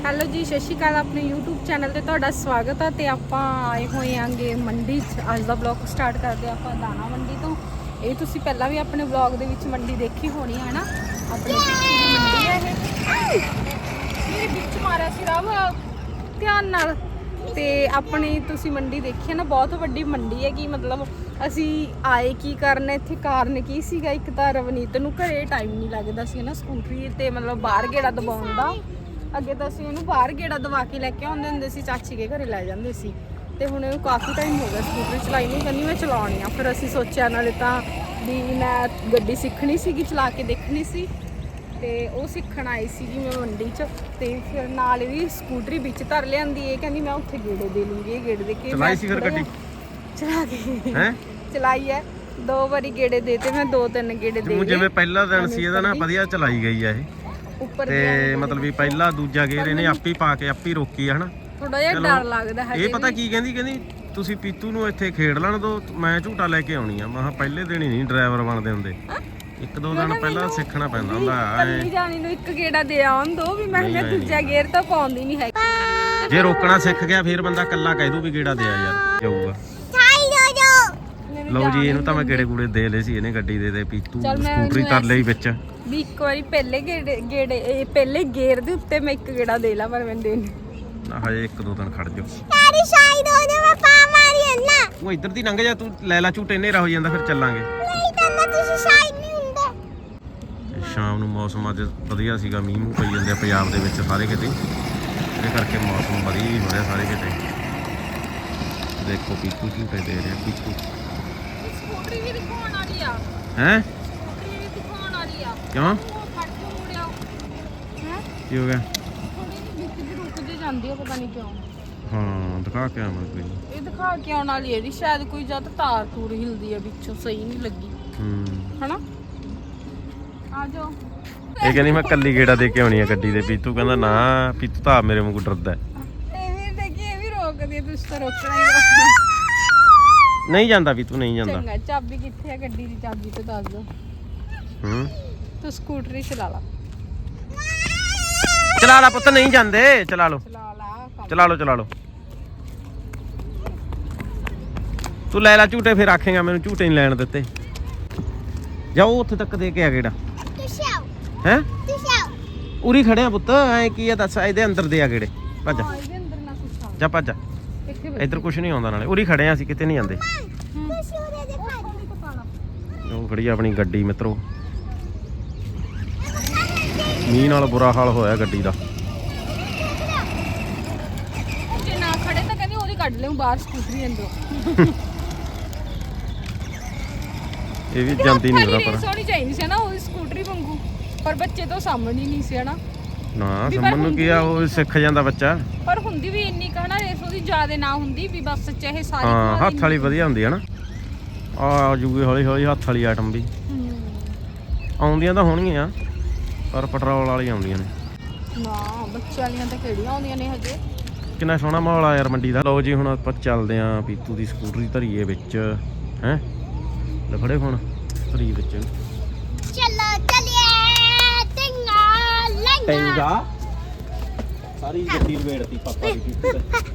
Hello ਜੀ, ਸਤਿ ਸ਼੍ਰੀ ਅਕਾਲ। ਆਪਣੇ YouTube ਚੈਨਲ ਤੇ ਤੁਹਾਡਾ ਸਵਾਗਤ ਹੈ। ਤੇ ਆਪਾਂ ਆਏ ਹੋਏ ਆਂਗੇ ਮੰਡੀ 'ਚ। ਅੱਜ ਦਾ ਵਲੌਗ ਸਟਾਰਟ ਕਰਦੇ ਆਪਾਂ ਦਾਣਾ ਮੰਡੀ ਤੋਂ। ਇਹ ਤੁਸੀਂ ਪਹਿਲਾਂ ਵੀ ਆਪਣੇ ਵਲੌਗ ਦੇ ਵਿੱਚ ਮੰਡੀ ਦੇਖੀ ਹੋਣੀ ਹੈ ਨਾ। ਆਪਣੇ ਪਿੱਛੇ ਦੀ ਮੰਡੀ ਹੈ ਇਹ। ਮੇਰੇ ਵਿੱਚ ਮਾਰਿਆ ਸੀ ਰਵ, ਧਿਆਨ ਨਾਲ। ਤੇ ਆਪਣੀ ਤੁਸੀਂ ਮੰਡੀ ਦੇਖੀ ਹੈ ਨਾ, ਬਹੁਤ ਵੱਡੀ ਮੰਡੀ ਹੈ। ਕਿ ਮਤਲਬ ਅਸੀਂ ਆਏ ਕੀ ਕਰਨ ਇੱਥੇ, ਕਾਰਨ ਕੀ ਸੀਗਾ। ਇੱਕ ਤਾਂ ਰਵਨੀਤ ਨੂੰ ਘਰੇ ਟਾਈਮ ਨਹੀਂ ਲੱਗਦਾ ਸੀ ਨਾ, ਸਕੂਟਰੀ ਤੇ ਮਤਲਬ ਬਾਹਰ ਗੇੜਾ ਦਬਾਉਣ ਦਾ। ਅੱਗੇ ਤਾਂ ਅਸੀਂ ਇਹਨੂੰ ਬਾਹਰ ਗੇੜਾ ਦਵਾ ਕੇ ਲੈ ਕੇ ਆਉਂਦੇ ਹੁੰਦੇ ਸੀ, ਚਾਚੀ ਕੇ ਘਰੇ ਲੈ ਜਾਂਦੇ ਸੀ। ਤੇ ਹੁਣ ਇਹਨੂੰ ਕਾਫੀ ਟਾਈਮ ਹੋ ਗਿਆ ਸਕੂਟਰੀ ਚਲਾਈ ਨਹੀਂ, ਕਹਿੰਦੀ ਮੈਂ ਚਲਾਉਣੀ ਆ। ਫਿਰ ਅਸੀਂ ਸੋਚਿਆ ਨਾਲੇ ਤਾਂ ਵੀ ਮੈਂ ਗੱਡੀ ਸਿੱਖਣੀ ਸੀਗੀ, ਚਲਾ ਕੇ ਦੇਖਣੀ ਸੀ। ਤੇ ਉਹ ਸਿੱਖਣ ਆਈ ਸੀਗੀ ਮੈਂ ਮੰਡੀ 'ਚ। ਤੇ ਫਿਰ ਨਾਲ ਇਹਦੀ ਸਕੂਟਰੀ ਵਿੱਚ ਧਰ ਲਿਆਂਦੀ। ਇਹ ਕਹਿੰਦੀ ਮੈਂ ਉੱਥੇ ਗੇੜੇ ਦੇ ਲੂੰਗੀ। ਇਹ ਗੇੜੇ ਦੇ ਕੇ ਚਲਾਈ ਸੀ ਫਿਰ ਗੱਡੀ ਚਲਾ ਕੇ ਹੈ ਚਲਾਈ ਹੈ। 2 ਵਾਰੀ ਗੇੜੇ ਦੇਤੇ ਮੈਂ, 2-3 ਗੇੜੇ ਦੇ ਜਿਵੇਂ ਪਹਿਲਾ ਦਿਨ ਸੀ ਇਹਦਾ ਨਾ ਵਧੀਆ ਚਲਾਈ ਗਈ ਆ ਇਹ ਉੱਪਰ ਤੇ ਮਤਲਬ ਵੀ ਪਹਿਲਾ ਦੂਜਾ ਗੇਰ ਇਹਨੇ ਆਪੇ ਪਾ ਕੇ ਆਪੇ ਰੋਕੀ ਆ ਹਨਾ। ਥੋੜਾ ਜਿਹਾ ਡਰ ਲੱਗਦਾ ਹੈ। ਇਹ ਪਤਾ ਕੀ ਕਹਿੰਦੀ ਤੁਸੀਂ ਪੀਤੂ ਨੂੰ ਇੱਥੇ ਖੇਡ ਲੈਣ ਦੋ, ਮੈਂ ਝੂਟਾ ਲੈ ਕੇ ਆਉਣੀ ਆ। ਮੈਂ ਕਿਹਾ ਪਹਿਲੇ ਦਿਨ ਹੀ ਨਹੀਂ ਡਰਾਈਵਰ ਬਣਦੇ ਹੁੰਦੇ, 1-2 ਦਿਨ ਪਹਿਲਾਂ ਸਿੱਖਣਾ ਪੈਂਦਾ ਹੁੰਦਾ। ਕੱਲੀ ਜਾਣੀ ਨੂੰ ਇੱਕ ਗੇੜਾ ਦੇ ਆਉਣ ਦੋ ਵੀ। ਮੈਂ ਦੂਜਾ ਗੇਰ ਤਾਂ ਪਾਉਂਦੀ ਨਹੀਂ ਹੈ। ਜੇ ਰੋਕਣਾ ਸਿੱਖ ਗਿਆ ਫਿਰ ਬੰਦਾ ਕੱਲਾ ਕਹਿ ਦੂ ਵੀ ਗੇੜਾ ਦੇ ਆ ਯਾਰ, ਜਾਊਗਾ। ਲਓ ਜੀ, ਇਹਨੂੰ ਤਾਂ ਮੈਂ ਗੇੜੇ ਗੂੜੇ ਦੇ ਲਏ ਸੀ ਇਹਨੇ ਗੱਡੀ ਦੇ ਪੀਤੂ ਸਕੂਟਰੀ ਕਰ ਲਈ ਵਿੱਚ ਵੀ। ਇੱਕ ਵਾਰੀ ਪਹਿਲੇ ਗੇੜੇ ਪਹਿਲੇ ਗੇਰ ਦੇ ਉੱਤੇ ਮੈਂ ਇੱਕ ਗੇੜਾ ਦੇ ਲਾ, ਪਰ ਮੈਂ ਦੇਣੀ ਹਜੇ 1-2 ਦਿਨ ਖੜ ਜਾਓ। ਯਾਰੀ ਸ਼ਾਇਦ ਉਹਨੇ ਮੈਂ ਪਾ ਮਾਰੀ ਨਾ। ਉਹ ਇੱਧਰ ਦੀ ਲੰਘ ਜਾ, ਤੂੰ ਲੈ ਲਾ ਝੂਟੇ, ਹਨੇਰਾ ਹੋ ਜਾਂਦਾ ਫਿਰ ਚੱਲਾਂਗੇ। ਨਹੀਂ ਤਾਂ ਤੁਸੀਂ ਸ਼ਾਇਦ ਨਹੀਂ ਹੁੰਦੇ। ਸ਼ਾਮ ਨੂੰ ਮੌਸਮ ਅੱਜ ਵਧੀਆ ਸੀਗਾ, ਮੀਂਹ ਮੂੰਹ ਪਈ ਜਾਂਦੇ ਆ ਪੰਜਾਬ ਦੇ ਵਿੱਚ ਸਾਰੇ ਕਿਤੇ। ਇਹਦੇ ਕਰਕੇ ਮੌਸਮ ਵਧੀਆ ਹੀ ਹੋ ਰਿਹਾ ਸਾਰੇ ਕਿਤੇ। ਦੇਖੋ ਪੀਤੂ ਝੂਟੇ ਦੇ ਰਿਹਾ ਪੀਤੂ। ਸਕੂਟਰੀ ਵੀ ਦਿਖਾਉਣ ਵਾਲੀ ਆ ਹੈ ਸਕੂਟਰੀ ਵੀ ਦਿਖਾਉਣ ਵਾਲੀ ਆ। ਕਿਉਂ ਫੜ ਕੇ ਮੁੜਿਆ ਹੈ, ਕੀ ਹੋ ਗਿਆ? ਥੋੜੀ ਜਿਹੀ ਵਿੱਚ ਦੀ ਰੁਕ ਜੇ ਜਾਂਦੀ ਆ, ਪਤਾ ਨਹੀਂ ਕਿਉਂ। ਹਾਂ ਦਿਖਾ ਕੇ ਆਵਾਂ ਕੋਈ। ਇਹ ਦਿਖਾ ਕੇ ਆਉਣ ਵਾਲੀ ਇਹਦੀ ਸ਼ਾਇਦ ਕੋਈ ਜਦ ਤਾਰ ਤੂਰ ਹਿਲਦੀ ਆ ਵਿੱਚੋਂ, ਸਹੀ ਨਹੀਂ ਲੱਗੀ ਹਨਾ। ਆ ਜਾਓ। ਇਹ ਕਹਿੰਦੀ ਮੈਂ ਕੱਲੀ ਗੇੜਾ ਦੇ ਕੇ ਆਉਣੀ ਆ ਗੱਡੀ ਦੇ। ਪੀਤੂ ਕਹਿੰਦਾ ਨਾ, ਪੀਤੂ ਤਾਂ ਮੇਰੇ ਵਾਂਗੂ ਡਰਦਾ। ਇਹ ਵੀ ਦੇਖੀ, ਇਹ ਵੀ ਰੋਕਦੀ ਆ। ਤੁਸੀਂ ਤਾਂ ਰੋਕਣਾ ਹੀ ਰੋਕਣਾ। ਨਹੀਂ ਜਾਂਦਾ ਪੀਤੂ, ਨਹੀਂ ਜਾਂਦਾ। ਚੰਗਾ, ਚਾਬੀ ਕਿੱਥੇ ਆ ਗੱਡੀ ਦੀ? ਚਾਬੀ ਤੇ ਦੱਸ ਦੋ। ਤੂੰ ਸਕੂਟਰੀ ਚਲਾ ਲਾ। ਚਲਾ ਲਾ ਪੁੱਤ, ਨਹੀਂ ਜਾਂਦੇ। ਚਲਾ ਲਓ ਚਲਾ ਲਾ, ਚਲਾ ਲਓ ਚਲਾ ਲਓ। ਤੂੰ ਲੈ ਲੈ ਝੂਟੇ, ਫਿਰ ਆਖੇਗਾ ਮੈਨੂੰ ਝੂਟੇ ਨਹੀਂ ਲੈਣ ਦਿੱਤੇ। ਜਾਓ ਉੱਥੇ ਤੱਕ ਦੇ ਕੇ ਆ ਗੇੜਾ। ਤੁਸੀਂ ਆਓ, ਹੈ ਤੁਸੀਂ ਆਓ। ਉਰੀ ਖੜੇ ਆ ਪੁੱਤ, ਐ ਕੀ ਆ ਦੱਸ। ਇਹਦੇ ਅੰਦਰ ਦੇ ਆ ਗੇੜੇ। ਭੱਜ ਇਹਦੇ ਅੰਦਰ ਨਾ ਕੁਛ ਆ। ਜਾ ਭੱਜ। ਇੱਥੇ ਇੱਧਰ ਕੁਝ ਨਹੀਂ ਆਉਂਦਾ, ਨਾਲੇ ਉਰੀ ਖੜੇ ਆ ਅਸੀਂ, ਕਿਤੇ ਨਹੀਂ ਜਾਂਦੇ। ਤੁਸੀਂ ਉਹਦੇ ਦੇ ਉਹ ਖੜੀ ਆ ਆਪਣੀ ਗੱਡੀ ਮਿੱਤਰੋ। ਮੀਂਹ ਨਾਲ ਬੁਰਾ ਹਾਲ ਹੋਇਆ ਗੱਡੀ ਦਾ। ਜੇ ਨਾ ਖੜੇ ਤਾਂ ਕਹਿੰਦੀ ਉਹਦੀ ਕੱਢ ਲਿਓ ਬਾਹਰ ਸਕੂਟਰੀ ਅੰਦਰੋਂ। ਇਹ ਵੀ ਜਾਂਦੀ ਨਹੀਂ ਉਹਦਾ ਪਰ। ਸੋਹਣੀ ਚਾਹੀਦੀ ਸੀ ਨਾ ਉਹਦੀ ਸਕੂਟਰੀ ਵਾਂਗੂ, ਪਰ ਬੱਚੇ ਤੋਂ ਸਾਹਮਣੇ ਹੀ ਨਹੀਂ ਸੀ ਹਨਾ। ਨਾ ਸਮਝ ਨੂੰ ਕੀ ਆ, ਉਹ ਸਿੱਖ ਜਾਂਦਾ ਬੱਚਾ। ਪਰ ਹੁੰਦੀ ਵੀ ਇੰਨੀ ਕਹਣਾ ਰੇਸ ਉਹਦੀ ਜ਼ਿਆਦਾ ਨਾ ਹੁੰਦੀ ਵੀ, ਬਸ ਚਾਹੇ ਸਾਰੀ। ਹਾਂ ਹੱਥ ਵਾਲੀ ਵਧੀਆ ਹੁੰਦੀ ਹੈ ਨਾ। ਆ ਜੂਗੀ ਹੌਲੀ ਹੌਲੀ ਹੱਥ ਵਾਲੀ ਆਈਟਮ ਵੀ ਆਉਂਦੀਆਂ ਤਾਂ ਹੋਣਗੀਆਂ, ਪਰ ਪੈਟਰੋਲ ਵਾਲੀ ਆਉਂਦੀਆਂ ਨੇ ਨਾ। ਬੱਚੇ ਵਾਲੀਆਂ ਤਾਂ ਕਿਹੜੀਆਂ ਆਉਂਦੀਆਂ ਨੇ ਹਜੇ। ਕਿੰਨਾ ਸੋਹਣਾ ਮਾਹੌਲ ਆ ਯਾਰ ਮੰਡੀ ਦਾ। ਲਓ ਜੀ, ਹੁਣ ਆਪਾਂ ਚੱਲਦੇ ਆਂ ਪੀਤੂ ਦੀ ਸਕੂਟਰੀ ਧਰੀਏ ਵਿੱਚ। ਹੈ ਲਫੜੇ ਹੁਣ ਧਰੀ ਵਿੱਚ। ਚਲੋ ਚਲਿਏ ਟਿੰਗਾ ਟੈਂਗਾ ਸਾਰੀ ਗੱਡੀ ਲਵੇੜਤੀ ਪਾਪਾ ਦੀ ਪੀਤੂ ਤੇ।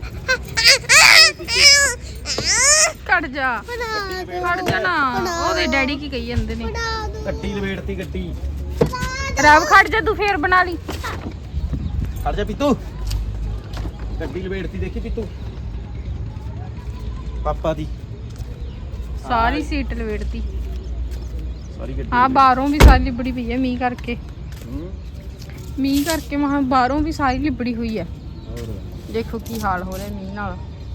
ਕੱਢ ਜਾ, ਕੱਢ ਜਾ ਨਾ। ਉਹਦੇ ਡੈਡੀ ਕੀ ਕਹੀ ਜਾਂਦੇ ਨੇ? ਗੱਡੀ ਲਵੇੜਤੀ ਗੱਡੀ। ਰਵ ਖੜ ਜਾ, ਤੂੰ ਫੇਰ ਬਣਾ ਲਈ। ਖੜ ਜਾ ਪੀਤੂ, ਗੱਡੀ ਲਵੇੜਤੀ ਦੇਖੀ ਪੀਤੂ ਪਾਪਾ ਦੀ। ਸਾਰੀ ਸੀਟ ਲਵੇੜਤੀ। ਸਾਰੀ ਗੱਡੀ ਹਾਂ, ਬਾਹਰੋਂ ਵੀ ਸਾਰੀ ਲਿਬੜੀ ਪਈ ਹੈ ਮੀਂਹ ਕਰਕੇ। ਮੀਂਹ ਕਰਕੇ ਮਹਾਂ ਬਾਹਰੋਂ ਵੀ ਸਾਰੀ ਲਿਬੜੀ ਹੋਈ ਹੈ। ਦੇਖੋ ਕੀ ਹਾਲ ਹੋ ਰਿਹਾ ਮੀਂਹ ਨਾਲ।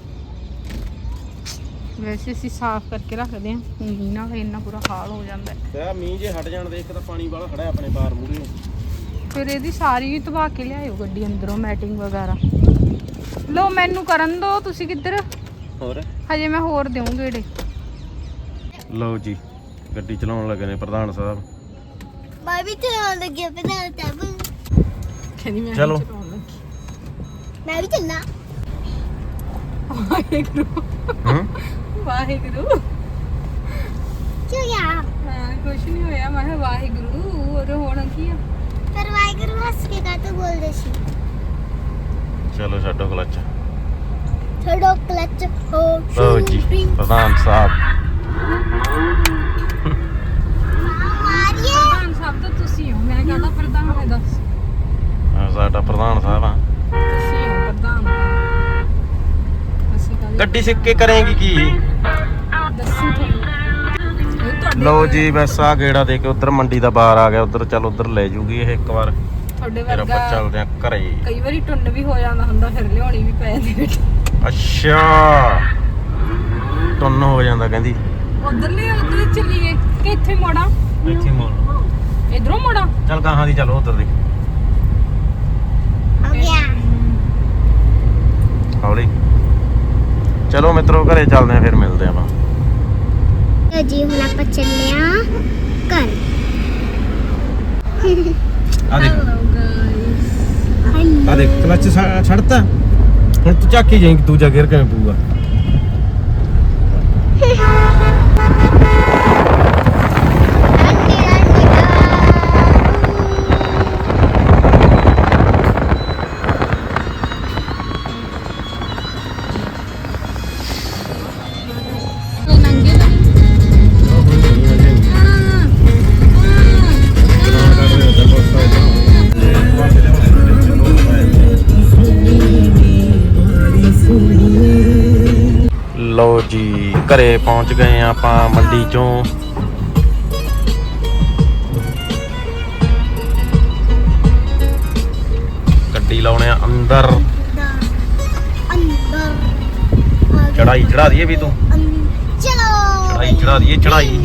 ਵੈਸੇ ਅਸੀਂ ਸਾਫ਼ ਕਰਕੇ ਰੱਖਦੇ ਹਾਂ, ਮੀਂਹ ਨਾਲ ਇੰਨਾ ਬੁਰਾ ਹਾਲ ਹੋ ਜਾਂਦਾ ਹੈ। ਤੇ ਮੀਂਹ ਜੇ ਹਟ ਜਾਣ ਦੇ, ਇੱਕ ਤਾਂ ਪਾਣੀ ਵਾਲਾ ਖੜਾ ਆਪਣੇ ਬਾਹਰ ਮੂਹਰੇ ਨੂੰ। ਫਿਰ ਇਹਦੀ ਸਾਰੀ ਧਵਾ ਕੇ ਲਿਆਇਓ ਗੱਡੀ ਅੰਦਰੋਂ, ਮੈਟਿੰਗ ਵਗੈਰਾ। ਲੋ ਮੈਨੂੰ ਕਰਨ ਦੋ, ਤੁਸੀਂ ਕਿੱਧਰ? ਹੋਰ ਹਜੇ ਮੈਂ ਹੋਰ ਦੇਵਾਂ ਗੇੜੇ। ਲਓ ਜੀ, ਗੱਡੀ ਚਲਾਉਣ ਲੱਗੇ ਨੇ ਪ੍ਰਧਾਨ ਸਾਹਿਬ। ਮੈਂ ਵੀ ਚਲਾਉਣ ਲੱਗੀ ਪਤਾ ਤਬ। ਕਹਿੰਦੀ ਮੈਂ ਚਲੋ। ਮੈਂ ਵੀ ਚੱਲਣਾ। ਵਾਹਿਗੁਰੂ ਵਾਹਿਗੁਰੂ। ਕਿਉਂ ਯਾਰ? ਹਾਂ, ਕੁਛ ਨਹੀਂ ਹੋਇਆ। ਮੈਂ ਕਿਹਾ ਵਾਹਿਗੁਰੂ, ਹੋਰ ਹੋਣਾ ਕੀ ਆ। ਪਰ ਵਾਹਿਗੁਰੂ ਹੱਸ ਕੇ ਕਾਹਤੋਂ ਬੋਲਦੇ ਸੀ? ਚਲੋ ਛੱਡੋ ਕਲੱਚ। ਛੱਡੋ ਕਲਚ ਹੋ ਲਓ ਜੀ ਪ੍ਰਧਾਨ ਸਾਹਿਬ। ਮਾਰੀਏ ਪ੍ਰਧਾਨ ਸਾਹਿਬ ਤਾਂ ਤੁਸੀਂ ਹੋ, ਮੈਂ ਕਹਦਾ ਪ੍ਰਧਾਨ ਹੈ ਦੱਸ। ਸਾਡਾ ਪ੍ਰਧਾਨ ਸਾਹਿਬ ਆ। ਤੁਸੀਂ ਹੋ ਪ੍ਰਧਾਨ। ਅਸੀਂ ਕੱਲ ਗੱਡੀ ਸਿੱਖ ਕੇ ਕਰੇਗੀ ਕੀ? ਦੱਸੂ ਤੁਹਾਨੂੰ ਇਹ ਤੁਹਾਡੇ ਲਓ ਜੀ ਬਸ ਆ ਗੇੜਾ ਦੇ ਕੇ ਉਧਰ ਮੰਡੀ ਦਾ ਬਾਹਰ ਆ ਗਿਆ। ਉਧਰ ਚੱਲ ਉਧਰ ਲੈ ਜੂਗੀ ਇਹ ਇੱਕ ਵਾਰ, ਤੁਹਾਡੇ ਫਿਰ ਆਪਾਂ ਵਰਗਾ ਚੱਲਦੇ ਆ ਘਰੇ। ਕਈ ਵਾਰੀ ਟੁੰਨ ਵੀ ਹੋ ਜਾਂਦਾ ਹੁੰਦਾ, ਫਿਰ ਲਿਆਉਣੀ ਵੀ ਪੈ ਜਾਂਦੀ ਵਿੱਚ। ਅੱਛਾ ਟੁੰਨ ਹੋ ਜਾਂਦਾ ਕਹਿੰਦੀ। ਉਧਰ ਚੱਲੀਏ ਕਿ ਇੱਥੇ ਮੋੜਾ? ਇੱਥੇ ਮੋੜ ਇਧਰੋਂ ਮੋੜਾ। ਚੱਲ ਗਾਹਾਂ ਦੀ ਚਲੋ ਉਧਰ ਦੀ ਹੋ ਗਿਆ ਹੌਲੀ। ਚਲੋ ਮਿੱਤਰੋ ਘਰੇ ਚੱਲਦੇ ਆ, ਫਿਰ ਮਿਲਦੇ ਆਪਾਂ। ਲਓ ਜੀ ਹੁਣ ਆਪਾਂ ਚੱਲੇ ਆ ਘਰ। ਆ ਦੇਖ ਹੈਲੋ ਗਾਇਸ। ਆ ਦੇਖ ਕਲੱਚ ਛੱਡਤਾ। ਹੁਣ ਤੂੰ ਝਾਕੀ ਜਾਈਂ ਦੂਜਾ ਗੇਅਰ ਕਿਵੇਂ ਪਊਗਾ। ਨੰਗੇ ਤਾਂ ਲਓ ਜੀ ਘਰੇ ਪਹੁੰਚ ਗਏ ਆ ਆਪਾਂ ਮੰਡੀ ਚੋਂ। ਗੱਡੀ ਲਾਉਣੇ ਆ ਅੰਦਰ। ਅੰਦਰ ਚੜਾਈ ਚੜਾ ਦਈਏ ਵੀ ਤੂੰ। ਚਲੋ ਚੜਾਈ ਚੜਾ ਦਈਏ ਚੜਾਈ।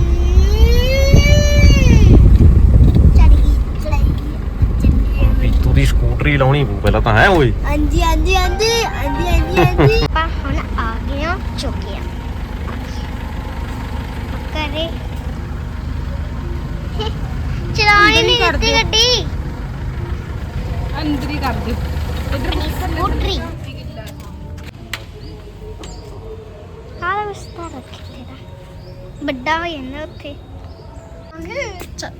ਪੀਤੂ ਦੀ ਸਕੂਟਰੀ ਲਾਉਣੀ ਪਊ ਪਹਿਲਾਂ ਤਾਂ ਹੈ ਓਏ। ਹਾਂਜੀ ਹਾਂਜੀ ਹਾਂਜੀ ਹਾਂਜੀ ਹਾਂਜੀ ਹਾਂਜੀ ਆਪਾਂ ਹੁਣ ਆ ਗਏ ਆ ਚੁੱਕਿਆ ਕਰੇ ਚਲਾਉਣੀ ਨਹੀਂ ਦਿੱਤੀ ਗੱਡੀ ਅੰਦਰ ਹੀ ਕਰ ਦੇ। ਇਧਰ ਸਕੂਟਰੀ ਹਾਂ ਰਸਤਾ ਰੱਖੇ ਤੇਰਾ ਵੱਡਾ ਹੋ ਜਾਂਦਾ ਉੱਥੇ ਚੱਲ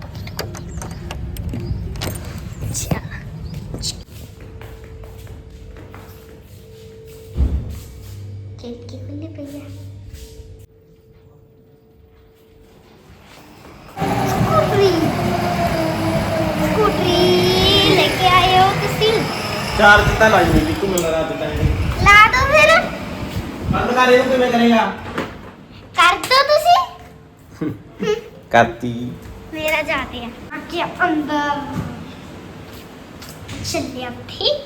ਖਿੜਕੀ ਖੁੱਲੀ ਪਈ ਹੈ। ਸਕੂਟਰੀ ਲੈ ਕੇ ਆਏ ਹੋ ਤੁਸੀਂ? ਚਾਰਜ ਤਾਂ ਲਾਈ ਨਹੀਂ ਤੂੰ ਮੈਨੂੰ ਰਾਤ ਟਾਈਮ। ਲਾ ਦੋ ਫਿਰ। ਬੰਦ ਕਰ ਇਹਨੂੰ ਕਿਵੇਂ ਕਰੇਗਾ? ਕਰ ਦੋ ਤੁਸੀਂ। ਕਰਤੀ। ਮੇਰਾ ਜਾते हैं आके अंदर चलिए अब ठीक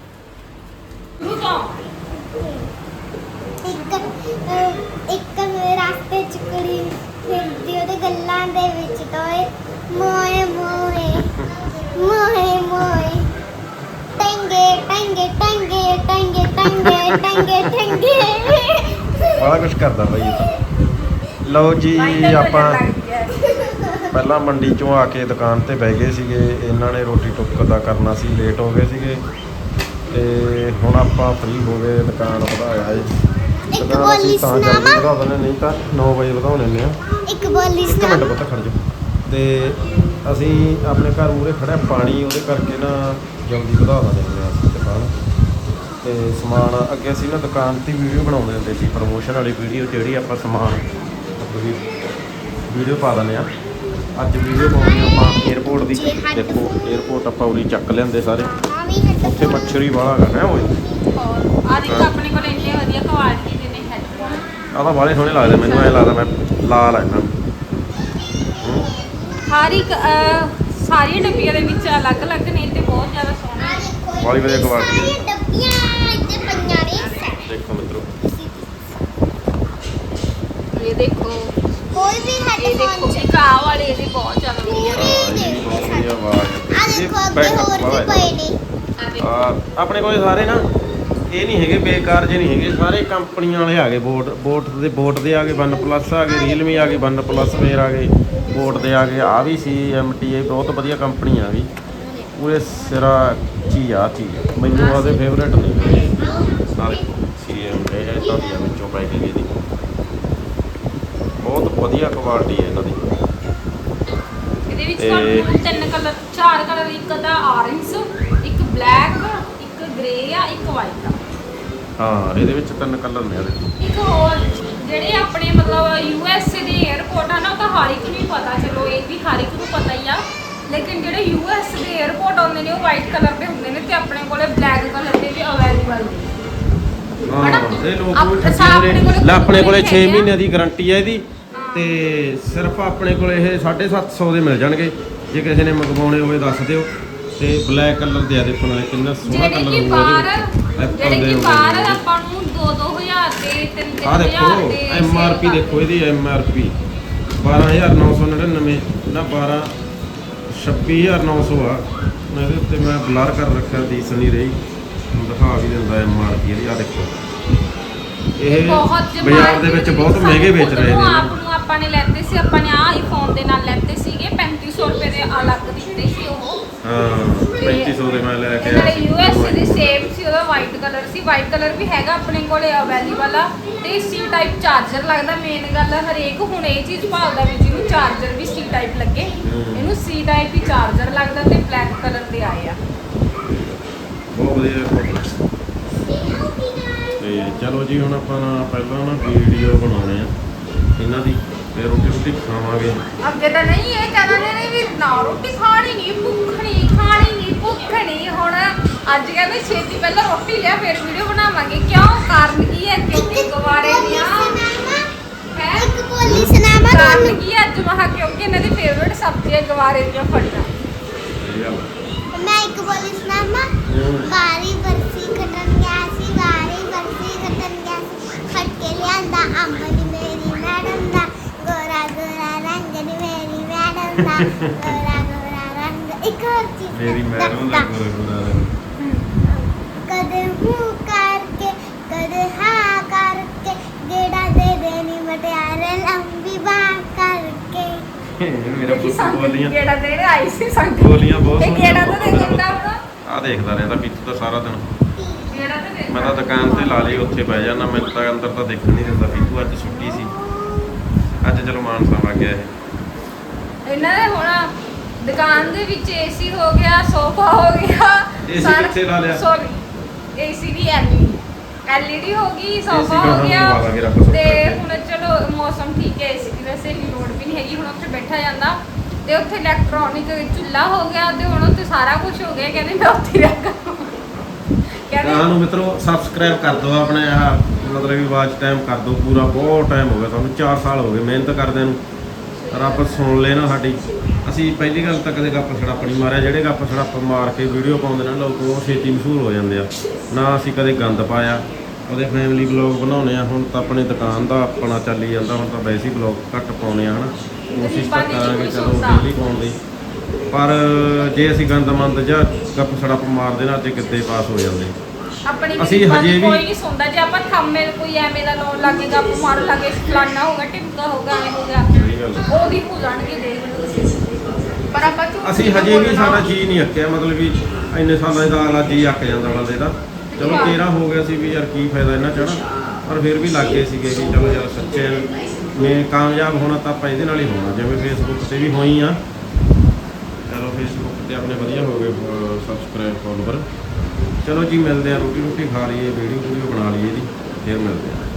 ਇੱਕ ਰਾਸਤੇ ਚ ਕੁੜੀ ਫਿਰਦੀ ਉਹਦੇ ਗੱਲਾਂ ਦੇ ਵਿੱਚ ਤੋਏ ਮੋਏ ਮੋਏ ਮੋਏ ਮੋਏ ਟੰਗੇ ਟੰਗੇ ਟੰਗੇ ਟੰਗੇ ਟੰਗੇ ਟੰਗੇ ਟੰਗੇ ਬੜਾ ਕੁਝ ਕਰਦਾ ਬਾਈ ਇਹ ਤਾਂ। ਲਓ ਜੀ ਆਪਾਂ ਪਹਿਲਾਂ ਮੰਡੀ ਚੋਂ ਆ ਕੇ ਦੁਕਾਨ ਤੇ ਬਹਿ ਗਏ ਸੀਗੇ। ਇਹਨਾਂ ਨੇ ਰੋਟੀ ਟੁੱਕ ਦਾ ਕਰਨਾ ਸੀ, ਲੇਟ ਹੋ ਗਏ ਸੀਗੇ ਤੇ ਹੁਣ ਆਪਾਂ ਫ੍ਰੀ ਹੋ ਗਏ। ਦੁਕਾਨ ਵਧਾਇਆ ਏ। ਦੁਕਾਨ ਅਸੀਂ ਤਾਂ ਜਲਦੀ ਵਧਾ ਦਿੰਦੇ, ਨਹੀਂ ਤਾਂ 9 ਵਜੇ ਵਧਾ ਲੈਂਦੇ ਆ। ਇੱਕ ਬੋਲੀ ਇੱਕ ਮਿੰਟ ਪੁੱਤ ਖੜ ਜਾ। ਤੇ ਅਸੀਂ ਆਪਣੇ ਘਰ ਮੂਹਰੇ ਖੜਿਆ ਪਾਣੀ, ਉਹਦੇ ਕਰਕੇ ਨਾ ਜਲਦੀ ਵਧਾ ਦਿੰਦੇ ਹਾਂ ਅਸੀਂ ਦੁਕਾਨ। ਤੇ ਸਮਾਨ ਅੱਗੇ ਅਸੀਂ ਨਾ ਦੁਕਾਨ 'ਤੇ ਵੀਡੀਓ ਬਣਾਉਂਦੇ ਹੁੰਦੇ ਸੀ, ਪ੍ਰਮੋਸ਼ਨ ਵਾਲੀ ਵੀਡੀਓ ਜਿਹੜੀ ਆਪਾਂ ਸਮਾਨ ਵੀਡੀਓ ਪਾ ਦਿੰਦੇ ਆ। ਅੱਜ ਵੀਡੀਓ ਪਾਉਣੀ ਆਪਾਂ ਏਅਰਪੋਰਟ ਦੀ। ਦੇਖੋ ਏਅਰਪੋਰਟ ਆਪਾਂ ਉਰੀ ਚੱਕ ਲਿਆਂਦੇ ਸਾਰੇ। ਉੱਥੇ ਮੱਛਰੀ ਵਾਲਾ ਹੈਗਾ ਓਏ। ਆ ਦੇਖੋ ਆਪਣੇ ਕੋਲ ਇੰਨੇ ਵਧੀਆ ਕੁਆਲਿਟੀ ਦੇ ਨੇ ਹੈਡਫੋਨ। ਆਹ ਤਾਂ ਬਾਹਲੇ ਸੋਹਣੇ ਲੱਗਦੇ ਮੈਨੂੰ। ਐਂ ਲੱਗਦਾ ਮੈਂ ਲਾ ਲਾ ਇਹਨਾਂ ਨੂੰ। ਹਰ ਇੱਕ ਸਾਰੀਆਂ ਡੱਬੀਆਂ ਦੇ ਵਿੱਚ ਅਲੱਗ-ਅਲੱਗ ਨੇ ਤੇ ਬਹੁਤ ਜ਼ਿਆਦਾ ਸੋਹਣੇ। ਬਾਹਲੀ ਵਧੀਆ ਕੁਆਲਿਟੀ ਹੈ। ਡੱਬੀਆਂ ਇੱਥੇ ਪਈਆਂ ਨੇ। ਦੇਖੋ ਮਿੱਤਰੋ ਇਹ ਦੇਖੋ, ਕੋਈ ਵੀ ਇਹ ਦੇਖੋ ਹੈਡਫੋਨ ਇੱਕ ਆਹ ਵਾਲੇ ਇਹਦੇ ਬਹੁਤ ਜ਼ਿਆਦਾ ਵਧੀਆ ਨੇ। ਇਹ ਵੀ ਬਹੁਤ ਵਧੀਆ ਆਵਾਜ਼। ਆ ਦੇਖੋ ਅੱਗੇ ਹੋਰ ਵੀ ਪਏ ਨੇ। ਆ ਦੇਖੋ ਆਪਣੇ ਕੋਲ ਸਾਰੇ ਨਾ ਇਹ ਨਹੀਂ ਹੈਗੇ ਬੇਕਾਰ ਜੇ ਨਹੀਂ ਹੈਗੇ, ਸਾਰੇ ਕੰਪਨੀਆਂ ਵਾਲੇ ਆ ਗਏ। ਬੋਟ ਦੇ ਆ ਗਏ, ਵਨ ਪਲੱਸ ਆ ਗਏ, ਰੀਅਲਮੀ ਆ ਗਏ, ਵਨ ਪਲੱਸ ਫੇਰ ਆ ਗਏ, ਬੋਟ ਦੇ ਆ ਗਏ। ਆ ਵੀ CMTA ਬਹੁਤ ਵਧੀਆ ਕੰਪਨੀ ਆ ਵੀ, ਪੂਰੇ ਸਿਰਾ ਚੀਜ਼ ਆ ਚੀਜ਼। ਮੈਨੂੰ ਉਹਦੇ ਫੇਵਰੇਟ ਨੇ ਸਾਰੇ CMTA। ਇੱਦਾਂ ਦੀ ਆ ਵਿੱਚੋਂ ਪੈਕਿੰਗ ਇਹਦੀ ਬਹੁਤ ਵਧੀਆ ਕੁਆਲਿਟੀ ਹੈ ਇਹਨਾਂ ਦੀ। ਇਹਦੇ ਵਿੱਚ ਤੁਹਾਨੂੰ ਤਿੰਨ ਕਲਰ, ਚਾਰ ਕਲਰ, ਇੱਕ ਦਾ ਆਰੇਂਜ, ਇੱਕ ਬਲੈਕ, ਇੱਕ ਗ੍ਰੇ ਆ, ਆ, ਇੱਕ ਵਾਈਟ ਆ। ਹਾਂ ਇਹਦੇ ਵਿੱਚ 3 ਕਲਰ ਨੇ ਇਹਦੇ। ਇੱਕ ਹੋਰ ਜਿਹੜੇ ਆਪਣੇ ਮਤਲਬ ਯੂਐਸਏ ਦੇ 에ਅਰਪੋਰਟ ਆ ਨਾ, ਉਹ ਤਾਂ ਹਰ ਇੱਕ ਨੂੰ ਹੀ ਪਤਾ, ਚਲੋ ਇਹ ਵੀ ਹਰ ਇੱਕ ਨੂੰ ਪਤਾ ਹੀ ਆ। ਲੇਕਿਨ ਜਿਹੜੇ ਯੂਐਸ ਦੇ 에ਅਰਪੋਰਟ ਆਉਂਦੇ ਨੇ ਉਹ ਵਾਈਟ ਕਲਰ ਦੇ ਹੁੰਦੇ ਨੇ ਤੇ ਆਪਣੇ ਕੋਲੇ ਬਲੈਕ ਕਲਰ ਦੇ ਵੀ ਅਵੇਲੇਬਲ ਨੇ। ਹਾਂ ਹਨਾ? ਇਹ ਲੋਕ ਆਪਣੇ ਵੀ ਠੱਗੇ ਕੋਲੇ ਨੇ। ਲੈ ਆਪਣੇ ਕੋਲੇ 6 ਹੈਗੇ ਆ। ਮਹੀਨਿਆਂ ਦੀ ਗਾਰੰਟੀ ਹੈ ਇਹਦੀ ਹਾਂ। ਤੇ ਸਿਰਫ ਆਪਣੇ ਕੋਲੇ ਇਹ 750 ਦੇ ਮਿਲ ਜਾਣਗੇ। ਜੇ ਕਿਸੇ ਨੇ ਮੰਗਵਾਉਣੇ ਹੋਵੇ ਦੱਸ ਦਿਓ। ਤੇ ਬਲੈਕ ਕਲਰ ਦੇ ਆ ਦੇਖੋ ਨਾਲੇ ਕਿੰਨਾ ਸੋਹਣਾ ਜਿਹੜੇ ਕਲਰ ਕਿ ਹੋਊਗਾ ਬਾਹਰ Apple ਜਿਹੜੇ ਦੇ ਕਿ ਹੋਣਗੇ। ਬਾਹਰ ਆਪਾਂ ਨੂੰ 2-2000 ਦੇ 3-3000 ਆਹ ਦੇਖੋ ਦੇ MRP ਦੇਖੋ ਇਹਦੀ MRP 12999 ਨਾ 26900 ਆ। ਇਹਦੇ ਉੱਤੇ ਮੈਂ ਬਲਰ ਕਰ ਰੱਖਿਆ ਦਿਸ ਨਹੀਂ ਰਹੀ, ਦਿਖਾ ਵੀ ਦਿੰਦਾ MRP ਇਹਦੀ। ਆ ਦੇਖੋ ਇਹ ਬਹੁਤ ਬਾਜ਼ਾਰ ਦੇ ਵਿੱਚ ਬਹੁਤ ਮਹਿੰਗੇ ਵੇਚ ਰਹੇ ਨੇ ਆਪ ਨੂੰ ਆਪਾਂ ਨੇ ਲੈਤੇ ਸੀ, ਆਪਾਂ ਨੇ ਆਹ ਆਈਫੋਨ ਦੇ ਨਾਲ ਲੈਤੇ ਸੀਗੇ 3500 ਰੁਪਏ ਦੇ ਅਲੱਗ ਦਿੱਤੇ ਸੀ ਉਹ। ਹਾਂ 3500 ਦੇ ਮੈਂ ਲੈ ਕੇ ਨਾਲੇ ਆਇਆ ਸੀ। ਯੂਐਸ ਦੀ ਸੇਮ ਸੀ, ਉਹਦਾ ਵਾਈਟ ਕਲਰ ਸੀ। ਵਾਈਟ ਕਲਰ ਵੀ ਹੈਗਾ ਆਪਣੇ ਕੋਲੇ ਅਵੇਲੇਬਲ ਆ ਤੇ ਸੀ ਟਾਈਪ ਚਾਰਜਰ ਲੱਗਦਾ। ਮੇਨ ਗੱਲ ਹਰੇਕ ਹੁਣ ਇਹ ਚੀਜ਼ ਭਾਲਦਾ ਵੀ ਜਿਹਨੂੰ ਚਾਰਜਰ ਵੀ ਸੀ ਟਾਈਪ ਲੱਗੇ, ਇਹਨੂੰ ਸੀ ਟਾਈਪ ਹੀ ਚਾਰਜਰ ਲੱਗਦਾ ਤੇ ਬਲੈਕ ਕਲਰ ਦੇ ਆਏ ਆ। ਬਹੁਤ ਵਧੀਆ। ਤੇ ਚਲੋ ਜੀ ਹੁਣ ਆਪਾਂ ਪਹਿਲਾਂ ਨਾ ਵੀਡੀਓ ਬਣਾਉਣੇ ਆ ਇਹਨਾਂ ਦੀ, ਫਿਰ ਰੋਟੀ ਖਾਵਾਂਗੇ। ਅੱਗੇ ਤਾਂ ਨਹੀਂ ਇਹ ਕਹਿੰਦੇ ਨੇ ਵੀ ਨਾ ਰੋਟੀ ਖਾਣੀ ਨਹੀਂ, ਭੁੱਖ ਨਹੀਂ ਖਾਣੀ ਨਹੀਂ, ਭੁੱਖ ਨਹੀਂ। ਹੁਣ ਅੱਜ ਕਹਿੰਦੇ ਛੇਤੀ ਪਹਿਲਾਂ ਰੋਟੀ ਲਿਆ ਫਿਰ ਵੀਡੀਓ ਬਣਾਵਾਂਗੇ। ਕਿਉਂ? ਕਾਰਨ ਕੀ ਹੈ? ਕਿਉਂਕਿ ਗਵਾਰੇ ਦੀਆਂ ਹੈ ਇੱਕ ਬੋਲੀ ਸੁਣਾਵਾ ਕਾਰਨ ਤੁਹਾਨੂੰ। ਕੀ ਹੈ? ਅੱਜ ਮਹਾ ਕਿਉਂਕਿ ਇਹਨਾਂ ਦੀ ਫੇਵਰਟ ਸਬਜ਼ੀ ਹੈ ਗਵਾਰੇ ਦੀਆਂ ਫਲੀਆਂ। ਸਹੀ ਗੱਲ ਆ। ਮੈਂ ਇੱਕ ਬੋਲੀ ਸੁਣਾਵਾ। ਬਾਰੀ ਬਰਸੀ ਖਟਣ ਗਿਆ ਸੀ, ਬਾਰੀ ਬਰਸੀ ਖਟਣ ਗਿਆ ਸੀ। ਖਟ ਕੇ ਲਿਆਂਦਾ ਅੰਬ ਨੀ ਮੇਰੀ ਮੈਡਮ ਦਾ, ਗੋਰਾ ਗੋਰਾ ਰੰਗ ਨੀ ਮੇਰੀ ਮੈਡਮ ਦਾ, ਗੋਰਾ ਗੋਰਾ ਰੰਗ। ਇੱਕ ਹੋਰ ਚੀਜ਼ ਮੇਰੀ ਮੈਡਮ ਦਾ ਗੋਰਾ ਗੋਰਾ ਰੰਗ। ਕਦੇ ਹੂੰ ਕਰਕੇ ਕਦੇ ਹਾਂ ਕਰਕੇ, ਗੇੜਾ ਦੇ ਦੇਣੀ ਮਟਿਆਰੇ ਲੰਬੀ ਬਾਂਹ ਕਰਕੇ। ਮੇਰਾ ਪੁੱਤ ਬੋਲੀਆਂ ਗੇੜਾ ਦੇਣ ਆਈ ਸੀ ਸੰਗ ਬੋਲੀਆਂ ਬਹੁਤ ਇਹ ਸੋਹਣੀਆਂ ਗੇੜਾ ਤਾਂ ਦੇ ਦਿੰਦਾ ਹੁਣ। ਆ ਦੇਖਦਾ ਰਹਿੰਦਾ ਪੀਤੂ ਤਾਂ ਸਾਰਾ ਦਿਨ। ਗੇੜਾ ਤਾਂ ਦੇ ਮੈਂ ਤਾਂ ਦੁਕਾਨ ਤੇ ਲਾ ਲਈ, ਉੱਥੇ ਬਹਿ ਜਾਣਾ। ਮੈਨੂੰ ਤਾਂ ਅੰਦਰ ਤਾਂ ਦੇਖਣ ਨਹੀਂ ਦਿੰਦਾ। ਪੀਤੂ ਅੱਜ ਛੁੱਟੀ ਸੀ, ਅੱਜ ਚਲੋ ਮਾਨਸਾ ਵਗ ਗਿਆ ਇਹ। ਇਹਨਾਂ ਦੇ ਹੁਣ ਦੁਕਾਨ ਦੇ ਵਿੱਚ ਏਸੀ ਹੋ ਗਿਆ, ਸੋਫਾ ਹੋ ਗਿਆ। AC ਕਿੱਥੇ ਲਾ ਲਿਆ? ਸੌਰੀ ਏਸੀ ਦੀ ਐਲਈਡੀ ਹੋ ਗਈ, AC ਸੋਫਾ ਕਹਾਂ ਹੋ ਗਿਆ। ਲਵਾ ਲਾਂਗੇ ਰੱਖ ਸਕਦੇ ਤੇ ਹਾਂ। ਹੁਣ ਚਲੋ ਮੌਸਮ ਠੀਕ ਹੈ, ਏਸੀ ਦੀ ਵੈਸੇ ਵੀ ਲੋੜ ਵੀ ਨਹੀਂ ਹੈਗੀ। ਹੁਣ ਉੱਥੇ ਬੈਠਾ ਜਾਂਦਾ ਤੇ ਉੱਥੇ ਇਲੈਕਟ੍ਰੋਨਿਕ ਚੁੱਲ੍ਹਾ ਹੋ ਗਿਆ ਤੇ ਹੁਣ ਉੱਥੇ ਸਾਰਾ ਕੁਝ ਹੋ ਗਿਆ। ਕਹਿੰਦੇ ਮੈਂ ਉੱਥੇ ਹੀ ਰੱਖਾਂ। ਕਹਿੰਦੇ ਨੂੰ ਮਿੱਤਰੋ ਸਬਸਕ੍ਰਾਈਬ ਕਰ ਦਿਓ ਆਪਣੇ ਆਹ ਮਤਲਬ ਵੀ ਵਾਚ ਟਾਈਮ ਕਰ ਦਿਓ ਪੂਰਾ। ਬਹੁਤ ਟਾਈਮ ਹੋ ਗਿਆ ਸਾਨੂੰ, 4 ਸਾਲ ਹੋ ਗਏ ਮਿਹਨਤ ਕਰਦਿਆਂ ਨੂੰ। ਰੱਬ ਸੁਣ ਲੈ ਨਾ ਸਾਡੀ। ਅਸੀਂ ਪਹਿਲੀ ਗੱਲ ਤਾਂ ਕਦੇ ਗੱਪ ਛੜਾਪ ਨਹੀਂ ਮਾਰਿਆ। ਜਿਹੜੇ ਗੱਪ ਛੜਾਪ ਮਾਰ ਕੇ ਵੀਡੀਓ ਪਾਉਂਦੇ ਨੇ ਲੋਕ ਉਹ ਛੇਤੀ ਮਸ਼ਹੂਰ ਹੋ ਜਾਂਦੇ ਆ। ਨਾ ਅਸੀਂ ਕਦੇ ਗੰਦ ਪਾਇਆ। ਉਹਦੇ ਫੈਮਿਲੀ ਵਲੌਗ ਬਣਾਉਣੇ ਆ। ਹੁਣ ਤਾਂ ਆਪਣੀ ਦੁਕਾਨ ਦਾ ਆਪਣਾ ਚੱਲੀ ਜਾਂਦਾ। ਹੁਣ ਤਾਂ ਵੈਸੇ ਹੀ ਵਲੌਗ ਘੱਟ ਪਾਉਣੇ ਆ ਹਨਾ। ਕੋਸ਼ਿਸ਼ ਤਾਂ ਕਰਾਂਗੇ ਚਲੋ ਡੇਲੀ ਪਾਉਣ ਦੀ। ਪਰ ਜੇ ਅਸੀਂ ਗੰਦ ਮੰਦ ਜਾਂ ਗੱਪ ਛੜਾਪ ਮਾਰਦੇ ਨਾ ਤੇ ਕਿੱਦੇ ਪਾਸ ਹੋ ਜਾਂਦੇ। ਆਪਣੀ ਅਸੀਂ ਗਰੀਬਾਂ ਹਜੇ ਦੀ ਵੀ- ਕੋਈ ਨਹੀਂ ਸੁਣਦਾ। ਜੇ ਆਪਾਂ ਥੰਮੇ ਕੋਈ ਐਵੇਂ ਦਾ ਲਾਉਣ ਲੱਗੇ ਗੱਪ ਮਾਰਨ ਲੱਗੇ ਫਲਾਨਾ ਹੋਗਾ ਟਿੱਕਾ ਹੋਗਾ ਐਵੇਂ ਹੋਗਾ, ਸਹੀ ਗੱਲ ਆ। ਉਹਦੀ ਭੁੱਲਣਗੇ ਦੇਖ ਲਓ ਤੁਸੀਂ। ਪਰ ਆਪਾਂ ਝੂਠ ਅਸੀਂ ਨਹੀਂ ਹਜੇ ਵੀ ਬੋਲਣਾ। ਸਾਡਾ ਜੀ ਨਹੀਂ ਅੱਕਿਆ। ਮਤਲਬ ਵੀ ਇੰਨੇ ਸਾਲਾਂ ਦਾ ਅਗਲਾ ਜੀ ਅੱਕ ਜਾਂਦਾ ਬੰਦੇ ਦਾ। ਚਲੋ 13 ਹੋ ਗਿਆ ਸੀ ਵੀ ਯਾਰ ਕੀ ਫਾਇਦਾ ਇਹਨਾਂ ਚੜਾ। ਪਰ ਫਿਰ ਵੀ ਲੱਗੇ ਸੀਗੇ ਵੀ ਚਲੋ ਯਾਰ ਸੱਚੇ ਮੈਂ ਕਾਮਯਾਬ ਹੋਣਾ ਤਾਂ ਆਪਾਂ ਇਹਦੇ ਨਾਲ ਹੀ ਹੋਣਾ। ਜਿਵੇਂ ਫੇਸਬੁੱਕ ਤੇ ਵੀ ਹੋਈ ਆ। ਚਲੋ ਫੇਸਬੁੱਕ ਤੇ ਆਪਣੇ ਵਧੀਆ ਹੋ ਗਏ ਸਬਸਕ੍ਰਾਈਬ ਫੋਲੋਵਰ। ਚਲੋ ਜੀ ਮਿਲਦੇ ਆ, ਰੋਟੀ ਖਾ ਲਈਏ, ਵੀਡੀਓ ਬਣਾ ਲਈਏ ਜੀ, ਫਿਰ ਮਿਲਦੇ ਆ।